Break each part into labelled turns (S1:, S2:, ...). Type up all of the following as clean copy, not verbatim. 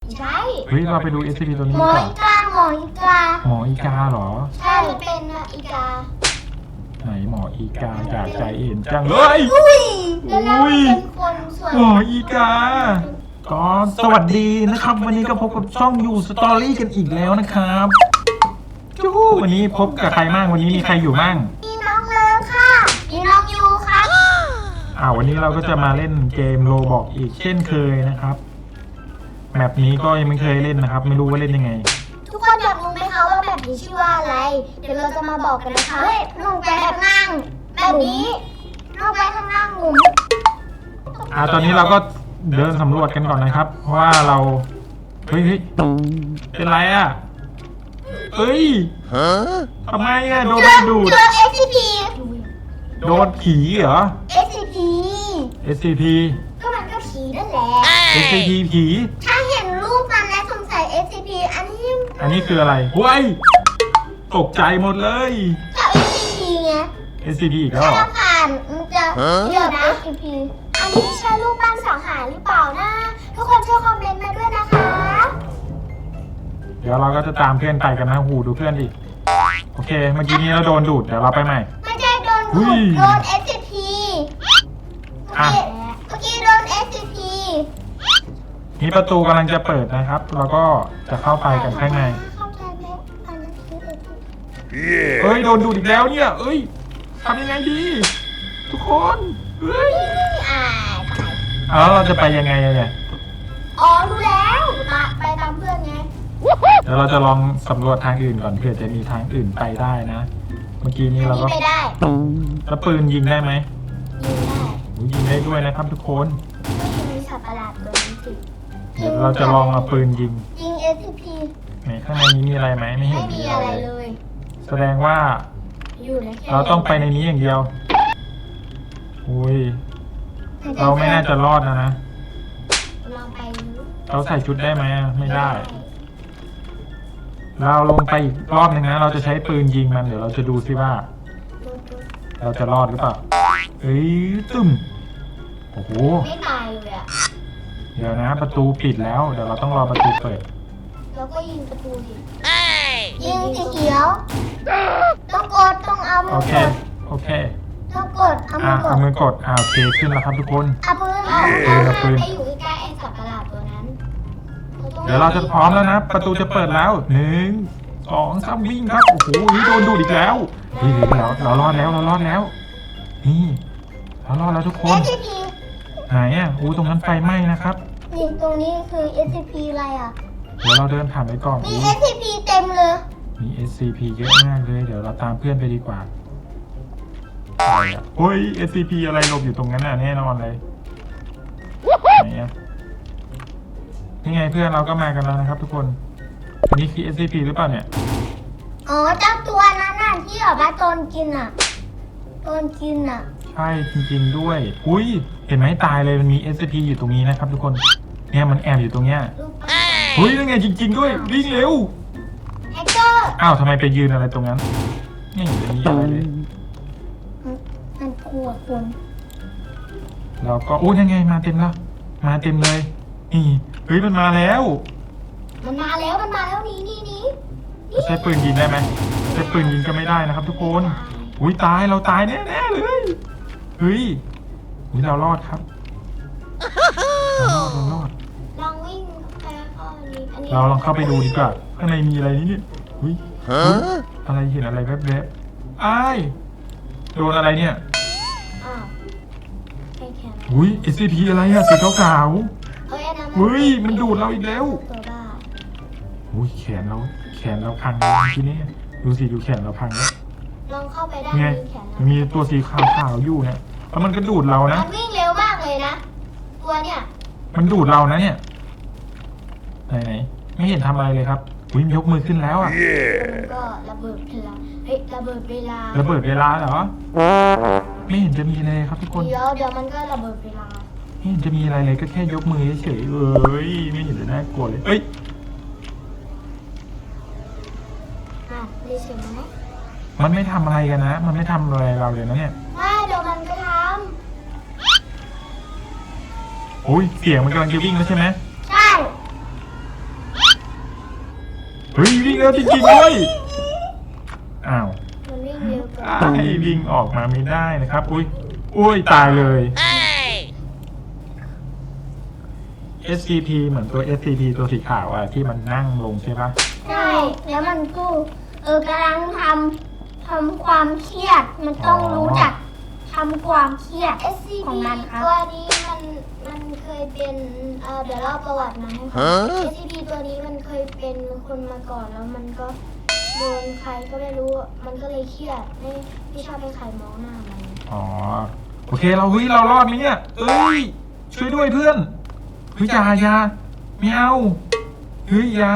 S1: ใช่
S2: เฮ้ยเราไปดู SCP ตัวนี้
S1: หมอ
S2: ก่อน
S1: อีกาหมออีกา
S2: หมออีกาเหรอ
S1: ใช่เป็นอีกา
S2: ไหนหมออีกาอยากใจเห็นจังเลย
S1: อุ้ยแล้วเราเป็นคนส่วน
S2: หมออีกาก็สวัสดีนะครับ วันนี้ก็พบกับช่องยูสตอรี่กันอีกแล้วนะครับจู้วันนี้พบกับใครบ้างวันนี้มีใครอยู่บ้าง
S1: มีน้องเลิฟค่ะมีน้องยูครับ
S2: วันนี้เราก็จะมาเล่นเกมโรบอกอีกเช่นเคยนะครับแมปนี้ก็ยังไม่เคยเล่นนะครับ ไม่รู้ว่าเล่นยังไง
S1: ทุกคนอยากรู้ไหมคะว่าแบบนี้ชื่อว่าอะไร เดี๋ยวเราจะมาบอกกันนะคะเฮ้ยลงไปข้างล่างแบบนี้ลงไปข้างล่างหมุน
S2: ตอนนี้เราก็เดินสำรวจกันก่อนนะครับ เพราะว่าเราเฮ้ยเป็นไรอ่ะเฮ้ยทำไมอ่ะโดนดูด
S1: เจอ SCP
S2: โดนผีเหรอ
S1: SCP
S2: SCP
S1: ก็มันก็ผีนั่นแหละ
S2: SCP ผี
S1: ถ้าเห็นรูปมันและสงสัย SCP อันนี้
S2: คืออะไรเฮ้ยตกใจหมดเลย
S1: ก็ SCP ไง
S2: SCP อีกแล้วเหรอ
S1: ถ้าผ่านมันจะเดี๋ยวนะ SCP อันนี้ใช่รูปปั้นสังหารหรือเปล่านะ ทุกคนช่วยคอมเมนต์มาด้วยนะคะ
S2: เดี๋ยวเราก็จะตามเพื่อนไปกันนะหูดูเพื่อนดิโอเคเมื่อกี้นี้เราโดนดูดเดี๋ยวเราไปใหม่
S1: ไม่ใช่โดน
S2: อุ้
S1: ดู
S2: ย
S1: ดโดน SCP
S2: อ่ะ
S1: เมื่อกี้โดน SCP
S2: นี่ประตูกำลังจะเปิดนะครับ เราก็จะเข้าไปกันข้างใน
S1: เข้าใจไหมอันนั้นคือ SCP
S2: เอ้ยโดนดูดอีกแล้วเนี่ยเอ้ยทำยังไงดี ทุกคนเฮ้ย
S1: อ่า
S2: แล้วเราจะไปยังไงอะเนี่ย
S1: อ๋อรู้แล้วไปตามเพื่อนไง
S2: เดี๋ยวเราจะลองสำรวจทางอื่นก่อนเผื่อจะมีทางอื่นไปได้นะ เมื่อกี้นี้เราก็
S1: ไม่ได้
S2: แล้วปืนยิงได้ไหม
S1: ยิงได้
S2: ยิงได้ด้วยนะครับ ทุกคน
S1: ไม่มีสัตว์ประหลาดตัวนี้สิ
S2: เดี๋ยวเราจะลองเอาปืนยิง
S1: ยิง SCP
S2: ไหนข้างในนี้มีอะไรไหมไม่เห็
S1: ไม่
S2: น
S1: มีอะไรเลย
S2: แสดงว่า
S1: อยู่ในแค่
S2: เราต้องไปในนี้อย่างเดียวอุ้ยเราไม่น่าจะรอดนะ
S1: ลองไป
S2: เราใส่ชุดได้ไหมไม่ได้ เราลงไปอีกรอบหนึ่งนะ เราจะใช้ปืนยิงมันเดี๋ยวเราจะดูซิว่า เราจะรอดหรือเปล่าเอ้ยตึ้มโอ้โห
S1: ไม่ตายเลยอ่ะ
S2: เดี๋ยวนะ ประตูปิดแล้วเดี๋ยวเราต้องรอประตูเปิด
S1: แล้วก็ยิงประตูดิยิงสีเขียว ต้องกดต้องเอามื
S2: โอ
S1: อ
S2: เค
S1: กด
S2: โอเค
S1: ต้องกดเอามือก
S2: เอา
S1: ด
S2: มือกดโอเคขึ้นแล้วครับทุกคน
S1: เอาปืนเอา
S2: ปืนเอาปืน
S1: ไปอยู่ใกล้ๆไอ้สัตว์ประหลาดตัวนั้น
S2: เดี๋ยวเราจะพร้อมแล้วนะ ประตูจะเปิดแล้ว1 2 3วิ่งครับโอ้โหโดนดูดอีกแล้วนี่เรารอดแล้วเรารอดแล้วนี่เรารอดแล้วทุกคน
S1: SCP
S2: ไหนอ่ะตรงนั้นไฟไหม้นะครับ
S1: นี่ตรงนี้คือ SCP อะไรอ่ะ
S2: เดี๋ยวเราเดินผ่านไปก่อน
S1: มี SCP เต็มเลย
S2: มี SCP เยอะมากเลย เดี๋ยวเราตามเพื่อนไปดีกว่าอะไรอ่ะเฮ้ย SCP อะไรหลบอยู่ตรงนั้นน่ะแน่นอนเลยไหนอ่ะนี่ไงเพื่อนเราก็มากันแล้วนะครับ ทุกคนอันนี้คือ SCP หรือเปล่าเนี่ย
S1: อ๋อเจ้าตัวนั้นน่ะที่แบบว่าโดนกินอ่ะโดนกินอ่ะ
S2: ใช่จริงๆด้วยอุ้ยเห็นไหมตายเลยมันมี SCP อยู่ตรงนี้นะครับ ทุกคนเนี่ยมันแอบอยู่ตรงเนี้ย
S1: รูปปั้น
S2: เฮ้ยนั่นไงจริง ๆ ด้วยวิ่งเร็ว
S1: แฮกเกอร์
S2: อ้าวทำไมไปยืนอะไรตรงนั้นไม่เห็นจะมีอะไรเลย
S1: มันกลัวคน
S2: เราก็อู้ยังไงมาเต็มแล้วมาเต็มเลยนี่เฮ้ยมันมาแล้ว
S1: มันมาแล้วนี่
S2: จะใช้ปืนยิงได้ไหมใช้ปืนยิงก็ไม่ได้นะครับ ทุกคนอุ้ยตายเราตายแน่ๆเลยเฮ้ยเรารอดครับเรารอด
S1: ลองวิ่งไปข้อนี้อันนี้
S2: เราลองเข้าไปดูดีกว่าข้างในมีอะไรนี่เนี่ยอุ้ยอะไรเห็นอะไรแวบๆอ้ายโดนอะไรเนี่ย
S1: อ้าวไปแขน
S2: อุ้ย SCP อะไรอะสีขาว
S1: เฮ้ยอันนั้น
S2: เฮ้ยมันดูดเราอีกแล้ว
S1: ตัวบ้า
S2: ๆอุ้ยแขนเราพังเลยทีนี้ดูสิดูแขนเราพังแล้ว
S1: ลองเข้าไปได้
S2: ไง
S1: มีแขน
S2: มีตัวสีขาวๆอยู่เนี่ยแล้วมันก็ดูดเรานะ
S1: มันวิ่งเร็วมากเลยนะตัวเนี่ย
S2: มันดูดเรานะเนี่ยไหนไม่เห็นทำอะไรเลยครับอุ้ยยกมือขึ้นแล้วอ่ะ
S1: มันก็ระเบิดเวลาเฮ้ยระเบิดเวลา
S2: ระเบิดเวลาเหรอไม่เห็นจะมีอะไรเลยครับทุกคน
S1: เดี๋ยวมันก็ระเบิดเวลา
S2: ไม่เห็นจะมีอะไรเลยก็แค่ยกมือเฉยๆเอ้ยไม่เห็นจะน่ากลัวเลยเอ้ย
S1: ได้เสียงไหม
S2: มันไม่ทำอะไรกันนะมันไม่ทำอะไรเราเลยนะเนี่ย
S1: ไม่เดี๋ยวมันก็ท
S2: อุ้ยเสียงมันกำลังจะวิ่งแล้วใช่ไหม
S1: ำใช่
S2: ฮ้ยวิ่งแล้วจริงๆด้วยอ้าว
S1: มันวิ่งเร็วกว่า
S2: ไอ้วิ่งออกมาไม่ได้นะครับอุ้ยตายเลย SCP เหมือนตัว SCP ตัวสีขาวอะที่มันนั่งลงใช่ปะ
S1: ใช่แล้วมันก็กำลังทำความเครียดมันต้องรู้จักทำความเครียด
S3: SCP
S1: ของมันครับ
S3: ตัวนี้มันเคยเป็นเดี๋ยวเล่าประวัติมาให้ฟัง SCP ตัวนี้มันเคยเป็นคนมาก่อนแล้วมันก็โดนใครก็ไม่รู้มันก็เลยเครียดไม่ชอบให้ใครมองหน้ามัน
S2: อ๋อโอเคเรารอดไหมเนี่ยเอ้ยช่วยด้วยเพื่อนอย่าไม่เอาอย่า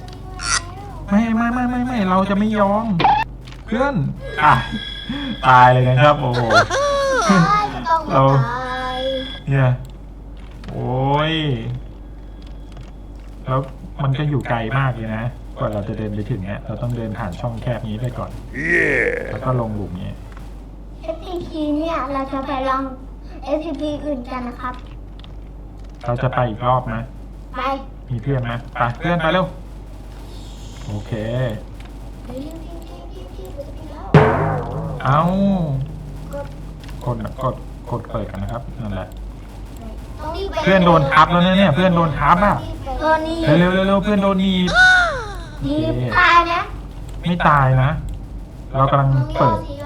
S2: ไม่เราจะไม่ยอมเพื่อนตายเลยนะครับโอ้โห
S3: ใช่ก็ต้อง
S2: เรา
S3: ตาย
S2: เนี่ยโอ้ยแล้วมันก็อยู่ไกลมากเลยนะกว่าเราจะเดินไปถึงเนี่ยเราต้องเดินผ่านช่องแคบนี้ไปก่อนแล้วก็ลงหลุมนี้
S1: SCP เนี่ยเราจะไปลอง SCP อื่นกันนะครับ
S2: เราจะไปอีกรอบไหม
S1: ไป
S2: มีเพื่อนไหมไปเพื่อนไปเร็วโอเค
S3: เฮ้ยพี่มันจะผิดแล้ว
S2: เอา
S3: กด
S2: กดเปิดกันนะครับนั่นแหละ
S3: ต้องรีบไป
S2: เพื่อนโดนทับแล้วเนี่ยเพื่อนโดนทับอ่ะ
S1: ตัวนี้
S2: เร็วเพื่อนโดนหนีบ
S1: ดีตายนะ
S2: ไม่ตายนะ เรากำลัง
S3: ต้อง
S2: เปิด
S3: รีบ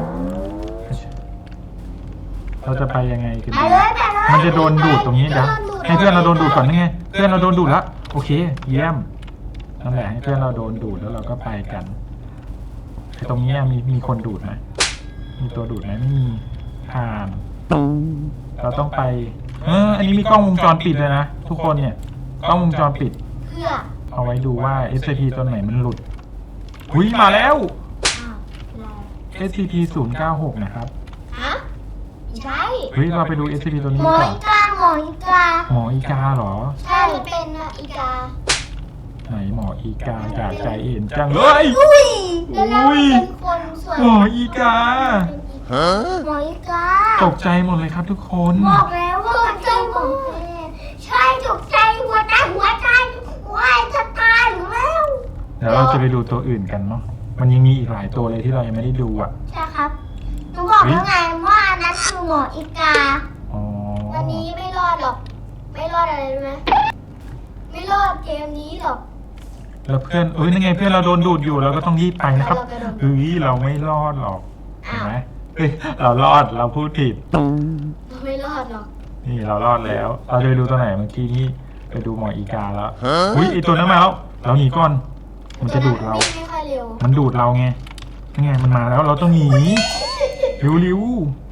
S2: เราจะไปยังไงกัน
S1: ไป
S2: ดี
S1: เลยไปเลย
S2: มันจะโดนดูดตรงนี้เดี๋ยวให้เพื่อนเราโดนดูดก่อนนี่ไงเพื่อนเราโดนดูดแล้วโอเค เยี่ยมนั่นแหละให้เพื่อนเราโดนดูดแล้วเราก็ไปกันไอ้ตรงเนี้ยมีคนดูดไหมมีตัวดูดไหมไม่มีผ่าน เราต้องไปอันนี้มีกล้องวงจรปิดเลยนะทุกคนเนี่ยกล้องวงจรปิด
S3: เพื่อ
S2: เอาไว้ดูว่า SCP ตัวไหนมันหลุดหุ้ยมาแล้ว
S3: อ้าวอะไร
S2: SCP 096นะครับ
S3: ฮะไม่ใช่
S2: เฮ้ยเราไปดู SCP ตัวนี้
S1: หมอ
S2: ก่อน
S1: อีกาหมออีกา
S2: หมออีกาเหรอ
S3: ใช่มันเป็นอีกา
S2: ไหนหมออีกาอยากใจเห็นจังเลย
S1: อุ้ย
S3: แล้วเราเป็นคนส่วน
S2: หมออีกา
S1: หมออีกา
S2: ตกใจหมดเลยครับทุกคน
S1: บอกแล้วว่ามันเป็นหมอแท้ใช่ตกใจหัวใจว้ายจะตายอยู่แล้ว
S2: เดี๋ยวเราจะไปดูตัวอื่นกันเนาะมันยังมีอีกหลายตัวเลยที่เรายังไม่ได้ดูอ่ะ
S1: ใช่ครับหนูบอกแล้วไงว่าอันนั้นคือหมออีกา
S2: อ๋อ
S3: วันนี้ไม่รอดหรอก ไม่รอดอะไรรู้ไหมไม่รอดเกมนี้หรอก
S2: แล้วเพื่อนนั่นไงเพื่อนเราโดนดูดอยู่เราก็ต้องรีบไปนะครับ
S3: เรากระโดด
S2: เฮ้ยเราไม่รอดหรอกเห็นไหมเฮ้ยเรารอดเราพูดผิด
S3: เราไม่รอดหรอก
S2: นี่เรารอดแล้ว เราจะไปดูตัวไหนเมื่อกี้นี่ไปดูหมออีกาแล้วอุ้ยไอตัวนั้นมาแล้วเราหนีก่อนมันจะดูดเรา
S3: วิ่งไม่ค่อยเร็ว
S2: มันดูดเราไงนี่ไงมันมาแล้วเราต้องหนีริ้ว
S3: อยู่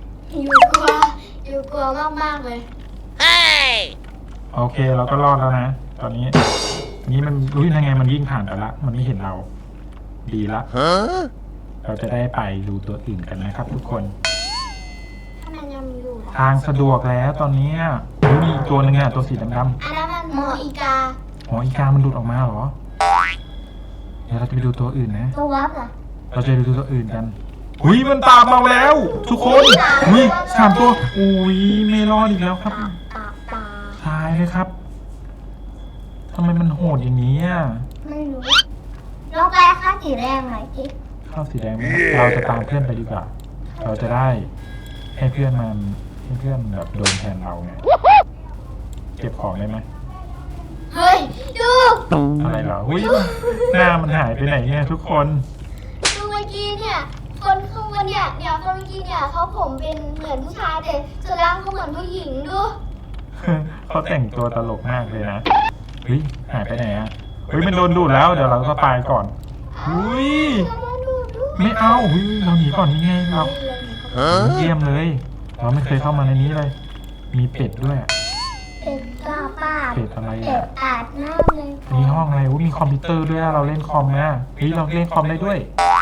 S3: กลัวมากๆเลย
S2: โอเคเราก็รอดแล้วนะตอนนี้นี่มันรู้ยังไงมันวิ่งผ่านไปละมันไม่เห็นเรา ดีละเราจะได้ไปดูตัวอื่นกันนะครับ ทุกคน
S3: ถ้ามันยังอยู่ล่ะ
S2: ทางสะดวกแล้วตอนเนี้ยอุ๊ยมีอีกตัวหนึงอะตัวสีดำ
S3: อันนั้นมันหมออีกา
S2: ๆหมออีกามันดูดออกมาเหรอเดี๋ยวเราจะไปดูตัวอื่นนะ
S1: ตัววับเหรอ
S2: เราจะไปดูตัวอื่นกันอุ้ยมันตามมาแล้ว ทุกคนอุ้ย3 ตัวอุ้ยไม่รอดอีกแล้วครับ
S3: ตา
S2: ตายเลยครับทำไมมันโหดอย่างนี้อ่ะ
S1: ไม่รู้ลองไปค่าสีแดงหน่อยสิ
S2: ข้าวสีแดงไหมเราจะตามเพื่อนไปดีกว่า เราจะได้ให้เพื่อนแบบโดนแทนเราไงเก็บของได้ไหม
S3: เฮ้ย ดู
S2: อะไรเหรออุ้ยหน้ามันหายไปไหนเนี่ยทุกคน
S3: ดูเมื่อกี้เนี่ย คนข้างบนเนี่ยคนเมื่อกี้เนี่ยเขาผมเป็นเหมือนผู้ชายแต่ส่วนล่างเขาเหมือนผู้หญิงดู
S2: เขาแต่งตัวตลกมากเลยนะเฮ้ยหายไปไหนอ่ะเฮ้ยมันโดนดูดแล้วเดี๋ยวเราก็ไปก่อนอุ้ย
S3: ดู
S2: ไม่เอาเฮ้ยเราหนีก่อนนี่ไงเราเยี่ยมเลย เราไม่เคยเข้ามาในนี้เลย มีเป็ดด้วยอะ
S1: เป็ดกาป้า
S2: เป็ดอะไร
S1: เป็ด
S2: อ่ะ
S1: อาบน้ำเลย
S2: มีห้องอะไรอุ๊ยมีคอมพิวเตอร์ด้วยอะเราเล่นคอมนะเฮ้ยเราเล่นคอมได้ด้วย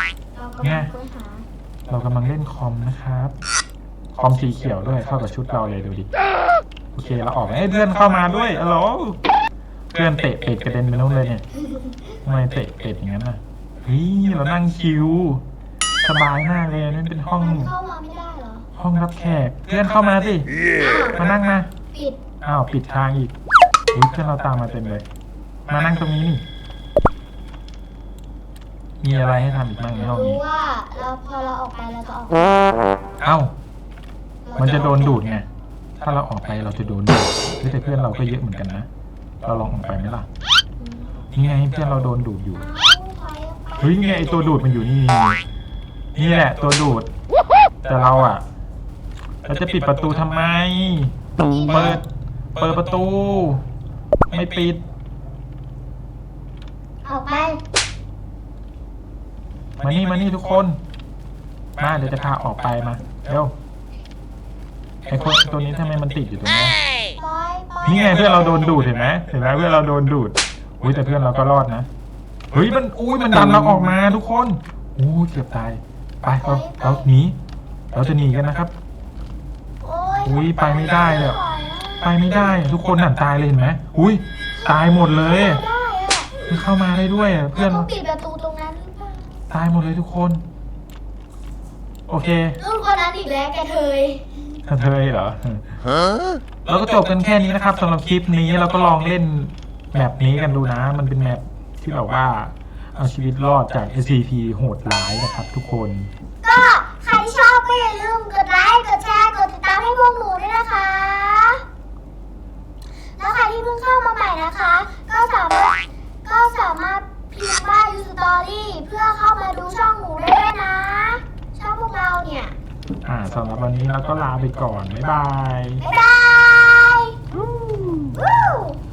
S3: เรากำลังค้นหา
S2: เรากำลังเล่นคอมนะครับ คอมสีเขียวด้วยเข้ากับชุดเราเลยดูดิ โอเคเราออกเพื่อนเข้ามาด้วยฮัลโหลเพื่อนเตะเป็ดกระเด็นไปนู่นเลยเนี่ยทำไมเตะเป็ดอย่างนั้นน่ะเฮ้ยเรานั่งชิวสบายมากเลยนั่นเป็นห้อง
S3: มันเข้ามาไม่ได้เหรอ
S2: ห้องรับแขก เพื่อนเข้ามาสิมานั่งมา
S3: ปิด
S2: อ้าวปิดทางอีกอุ๊ยเพื่อนเราตามมาเต็มเลย มานั่งตรงนี้นี่มีอะไรให้ทำอีกบ้างในห้อง
S3: รู้
S2: นี้
S3: ว่าพอเราออกไปเราจะออก
S2: เอ้า มันจะโดนดูดไง ถ้าเราออกไปเราจะโดนดูดเฮ้ยแต่เพื่อนเราก็เยอะเหมือนกันนะ เราลองออกไปไหมล่ะ นี่ไงเพื่อนเราโดนดูดอยู่ เฮ้ยนี่ไงไอตัวดูดมันอยู่นี่นี่แหละตัวดูด แต่เราอ่ะเราจะปิดประตูทำไม เปิดประตู ไม่ปิด
S3: ออกไป
S2: มานี่ทุกคน มาเดี๋ยวจะพาออกไปมาเร็วไอคนตัวนี้ทำไมมันติดอยู่ตรงนี้
S3: ปล่อยปล่อย
S2: นี่ไงเพื่อนเราโดนดูดเห็นไหมเพื่อนเราโดนดูดอุ้ยแต่เพื่อนเราก็รอดนะเฮ้ยมันดันเราออกมาทุกคนอู้เกือบตายไปเราหนีเราจะหนีกันนะครับ
S3: โอ้ย
S2: อุ้ยไปไม่ได้เลย ไปไม่ได้ทุกคนหันตายเลยเห็นไหมอุ้ยตายหมดเลย
S3: ได้อะ
S2: มันเข้ามาได้ด้วยอะเพื่อน
S3: ต้องปิดประตูตรงนั้นหรือเปล่า
S2: ตายหมดเลยทุกคน โอเค
S3: รุ่นคนนั้นอีกแล้วแกเทย
S2: เธอเหรอเราก็จบกันแค่นี้นะครับสำหรับคลิปนี้เราก็ลองเล่นแมปนี้กันดูนะ มันเป็นแมปที่แบบว่าเอาชีวิตรอดจาก SCP โหดร้ายนะครับ ทุกคน
S1: ก็ใครชอบก็อย่าลืมกดไลค์ กดแชร์ กดติดตามให้พวกหนูด้วยนะคะ แล้วใครที่เพิ่งเข้ามาใหม่นะคะ ก็สามารถพิมพ์ว่า You Story เพื่อเข้ามาดูช่องหนูได้ด้วยนะ ช่องพวกเราเนี่ย
S2: สำหรับวันนี้เราก็ลาไปก่อน บ๊ายบาย
S1: บ๊ายบายวู้